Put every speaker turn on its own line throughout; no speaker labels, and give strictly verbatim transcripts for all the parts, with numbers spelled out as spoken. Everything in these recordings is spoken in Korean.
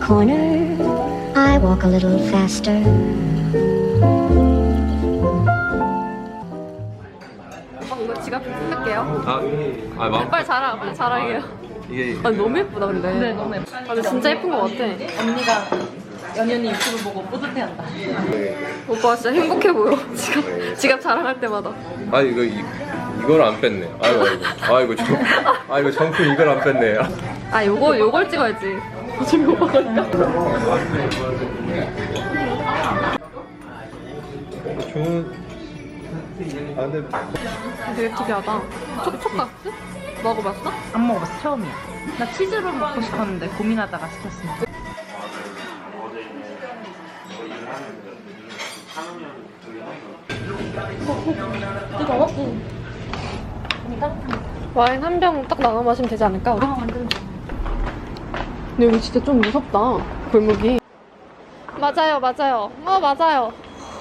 corner, I walk a little faster.
어, 이거 지갑 쓸게요.
아, 아 마음.
빨리 자랑, 빨리 자랑해요.
이게
아, 너무 예쁘다 근데.
네, 너무 예뻐.
아, 근데 진짜 예쁜 거 같아.
언니가 연연이 유튜브 보고 뿌듯해한다.
오빠 진짜 행복해 보여. 지갑, 지갑 자랑할 때마다.
아 이거 이, 이걸 안 뺐네. 아이고 아이고 아이고 정, 아이고 정품 이걸 안 뺐네.
아, 요거 요걸 찍어야지. 지금 오빠가 있다.
좋은. 아 근데
되게 특이하다. 촉촉가스? 먹어봤어?
안 먹어봤어, 처음이야. 나 치즈롤 먹고 싶었는데 고민하다가 시켰습니다.
와인 한 병 딱 나눠 마시면 되지 않을까? 우리?
아, 완전 좋아.
근데 여기 진짜 좀 무섭다. 골목이. 맞아요, 맞아요. 어, 맞아요.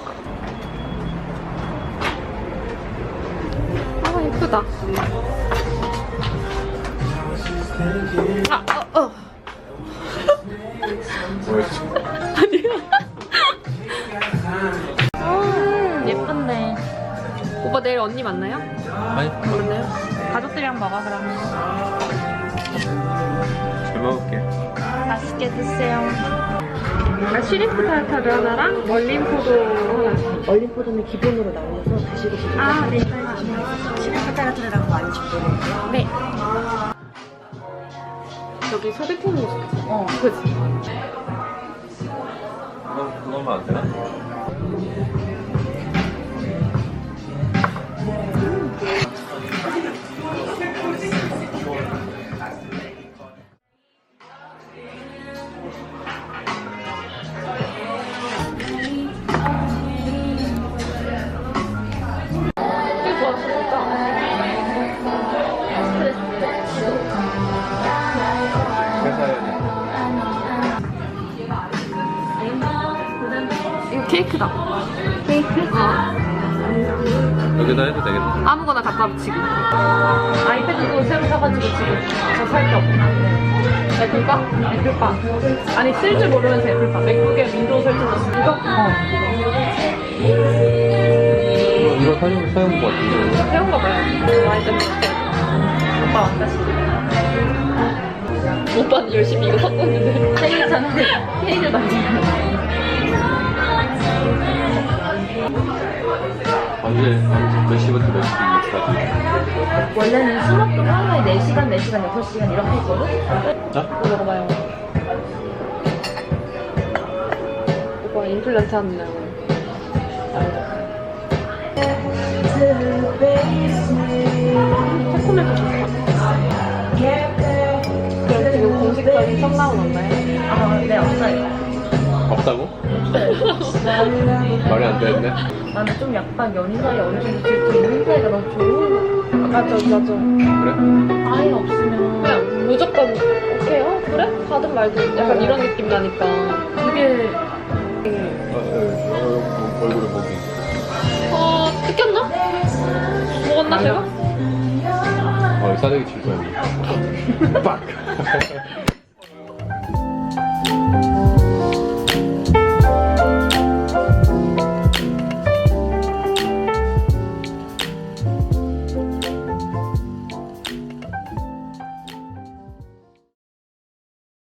아, 예쁘다. 아, 어, 어.
뭐였지?
음,
예쁜데.
오빠 내일 언니 만나요?
아니
만나요?
가족들이랑 먹어, 그러면.
잘 먹을게.
맛있게 드세요.
아, 시리프 타르타르 하나랑 얼림포도 하나.
얼림포도는 기본으로 나오셔서 드시고 싶으면
아, 네.
시간 타르타르라고 많이 준비해요.
네. 여기 소개팅이 있어.
어.
그치?
그건 그거만 안 되나?
이거 케이크다. 케이크? 어.
여기다 해도 되겠다.
아무거나 갖다 붙이기.
아이패드도 새로 사가지고 지금 저 살 게 없나? 애플바? 애플바. 아니, 쓸 줄 모르면서 애플바. 맥북에 윈도우 설정했어. 이거? 어.
이거, 이거 사용 사용 것 같은데.
새운 거 봐요. 많이 때문에.
오빠 왔다, 지금.
오빠는 열심히 이거 샀고 있는데.
생일 전에 케이크 만지고.
언제 몇 시부터 몇 시까지?
원래는 수업도 하루에 네 시간, 네 시간, 여섯 시간 이렇게 했거든?
자?
이거 먹어봐요. 오빠 임플란트 하는 날. 새콤해서 좋다. 그럼 지금 공식적인 첫 나온 건가요?
아, 네, 없어요.
없다고? 말이 안 되는데?
나는 좀 약간 연인 사이 어느 정도 질투 있는 사이가 너무 좋은 거.
맞아, 맞아.
그래?
아예 없으면
그냥 무조건 오케이, 어, 그래? 가든 말든 약간 이런 느낌 나니까.
되게
어, 어, 얼굴에 목이.
어, 뜯겼나? 먹었나, 제가?
어, 싸대기 칠 거야. 빡!